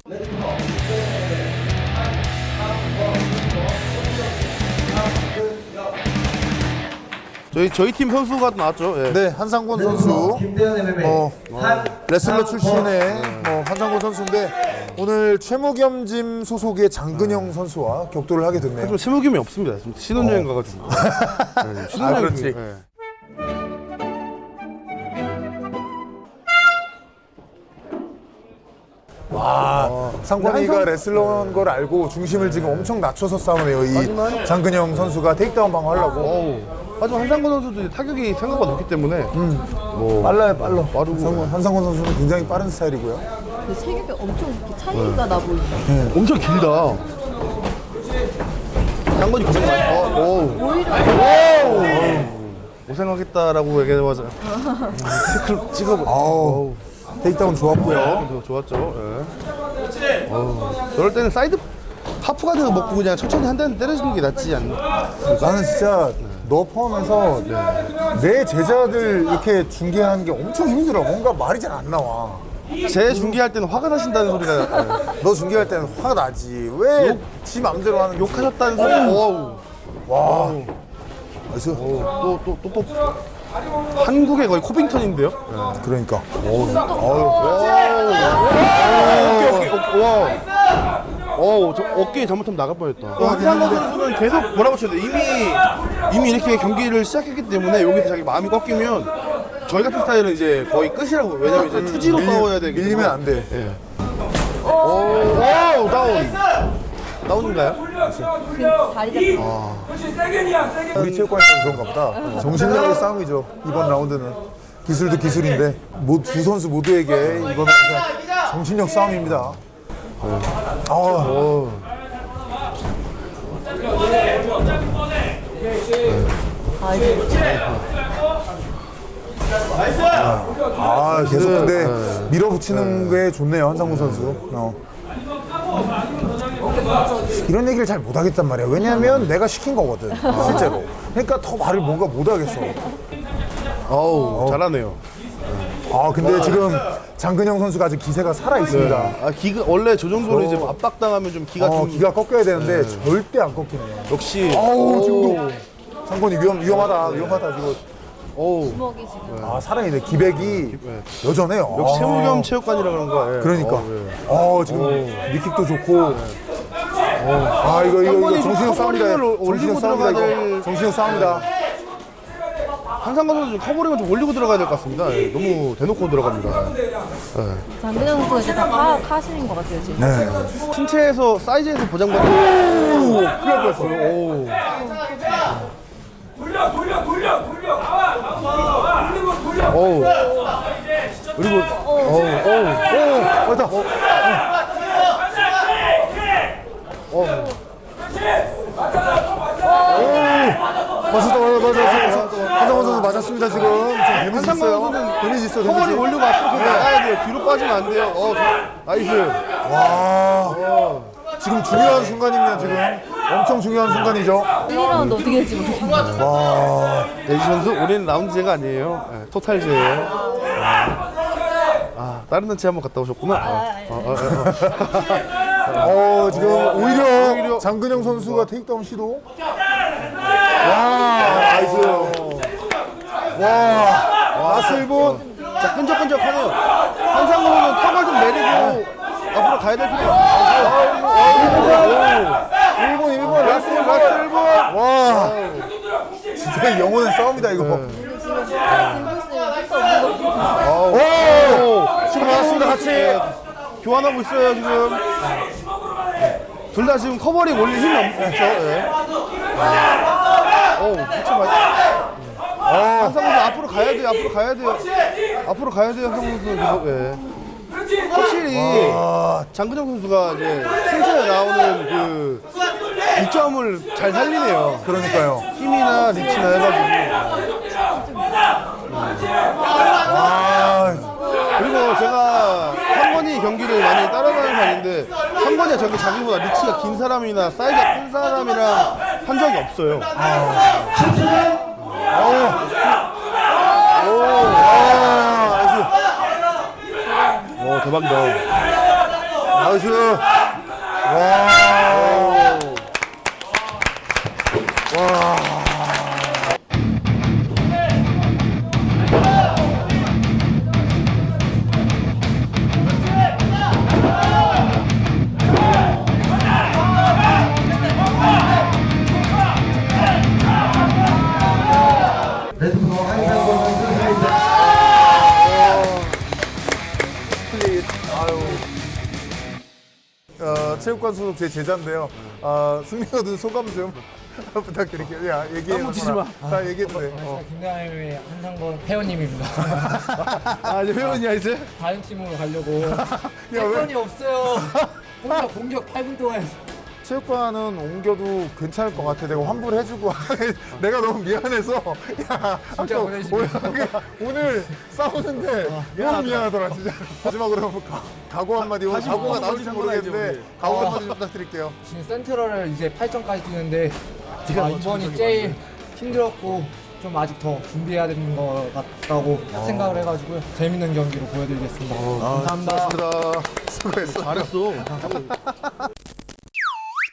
저희 팀 선수가 나왔죠. 예. 네, 한상권 선수. 레슬러 출신의 한상권 선수인데 오늘 최무겸짐 소속의 장근영 선수와 격돌을 하게 됐네요. 하지만 세무김이 없습니다. 지금 신혼여행 가가지고. 네, 신혼여행. 그렇지. 예. 상권이가 레슬러인 걸 알고 중심을 지금 엄청 낮춰서 싸우네요. 이 장근영 선수가 테이크다운 방어하려고. 하지만 한상권 선수도 타격이 생각보다 높기 때문에 빨라요, 빨라. 빠르고. 한상권 선수는 굉장히 빠른 스타일이고요. 그 체격이 엄청 이렇게 차이가 나 보이네. 엄청 길다. 상권이 고생 많이. 오히려 고생하겠다라고 얘기해봐자. 태클 찍어버. 테이크다운 좋았고요. 좋았죠. 예. 저럴 때는 사이드 하프가드 먹고 그냥 천천히 한 대는 때려주는 게 낫지 않나? 나는 진짜 너 포함해서 내 제자들 이렇게 중계하는 게 엄청 힘들어. 뭔가 말이 잘 안 나와. 제 중계할 때는 화가 나신다는 소리가 너 중계할 때는 화가 나지. 왜 지 맘대로 하는 욕하셨다는 소리. 어우. 와. 나이스. 또 한국의 거의 코빙턴인데요? 그러니까. 저 어깨에 잘못하면 나갈 뻔했다. 한상권 선수는 계속 뭐라고 쳐야 돼? 이미 이렇게 경기를 시작했기 때문에 여기서 자기 마음이 꺾이면 저희 같은 스타일은 이제 거의 끝이라고. 왜냐면 이제 투지로 싸워야 되기 때문에. 밀리면 안 돼. 예. 오, 다운. 다운인가요? 그 다리 잡고. 우리 체육관에서는 그런가 보다. 정신력의 싸움이죠. 이번 라운드는. 기술도 기술인데 두 선수 모두에게 이번은 그냥 정신력 싸움입니다. 계속 근데 밀어붙이는 게 좋네요, 한상무 선수. 이런 얘기를 잘 못하겠단 말이야. 왜냐면 내가 시킨 거거든, 실제로. 그러니까 더 말을 뭔가 못하겠어. 잘하네요. 근데 지금 장근영 선수가 아직 기세가 살아있습니다. 기가 원래 저 정도로 이제 압박당하면 좀 기가 좀 기가 꺾여야 되는데 절대 안 꺾이네요. 역시. 지금도 상권이 위험하다 지금. 주먹이 지금. 살아있네. 기백이 여전해요. 역시 세무겸 체육관이라 그런 거야. 그러니까. 지금 니킥도 좋고. 이거 정신력 싸움이다. 정신력 싸움이다. 이거. 정신력 싸움이다. 한상권 선수 커버링을 좀 올리고 들어가야 될 것 같습니다. 너무 대놓고 들어갑니다. 장근영 선수가 이제 다 파악하시는 것 같아요 지금. 네. 신체에서 사이즈에서 보장받는. 큰일 날 뻔했어. 그리고 맞았다. 한상원 선수 맞았습니다, 지금. 데미지 있어요. 선수는 데미지 있어, 커버링 데미지. 올리고 앞으로 나가야 돼요. 뒤로 빠지면 안 돼요. 나이스. 지금 중요한 순간입니다, 지금. 엄청 중요한 순간이죠. 1라운드 어떻게 될지 모르겠네요. 데지 선수, 우리는 라운드제가 아니에요. 토탈제예요. 다른 단체 한번 갔다 오셨구나. 지금 오히려 장근영 선수가 테이크다운 시도. 나이스. 라스 1분. 자, 끈적끈적하네요. 한상권은 턱을 좀 내리고 앞으로 가야 될 필요가 없어요. 1분. 라스 1분. 진짜 영혼의 싸움이다, 이거. 지금 들고 있으면 할거 없는 것 같아요. 지금 나왔습니다, 같이. 교환하고 있어요, 지금. 둘 다 지금 커버링 올릴 힘이 없죠. 한상권 선수 앞으로 가야 돼요. 앞으로 가야 돼요, 한상권 선수. 계속. 확실히 장근영 선수가 이제 승차에 나오는 그 이점을 잘 살리네요. 그러니까요. 힘이나 리치나 해가지고. 그리고 제가 상권이 경기를 많이 따라가는 편인데 상권이가 저기 자기보다 리치가 긴 사람이나 사이즈가 큰 사람이랑 한 적이 없어요. 대박이다. 나이스. 체육관 소속 제 제자인데요. 승리 얻은 소감 좀 부탁드릴게요. 야, 얘기해. 묻히지 마. 다 얘기해도 돼. 김강현의 한상권 회원님입니다. 아, 이제 회원이야, 이제? 다른 팀으로 가려고. 왜? 회원이 없어요. 혼자 공격 8분 동안 했어. 체육관은 옮겨도 괜찮을 것 같아. 내가 환불해주고. 내가 너무 미안해서. 야, 진짜 아까 보내주시면. 오늘 싸우는데 너무 미안하더라, 진짜. 마지막으로 각오 한마디. 오늘 각오가 나올지 모르겠는데 각오 한마디 좀 부탁드릴게요. 지금 센트럴을 이제 8점까지 뛰는데 이번이 제일 힘들었고 좀 아직 더 준비해야 되는 것 같다고 생각을 해가지고요. 재밌는 경기로 보여드리겠습니다. 감사합니다. 고맙습니다. 수고했어. 잘했어.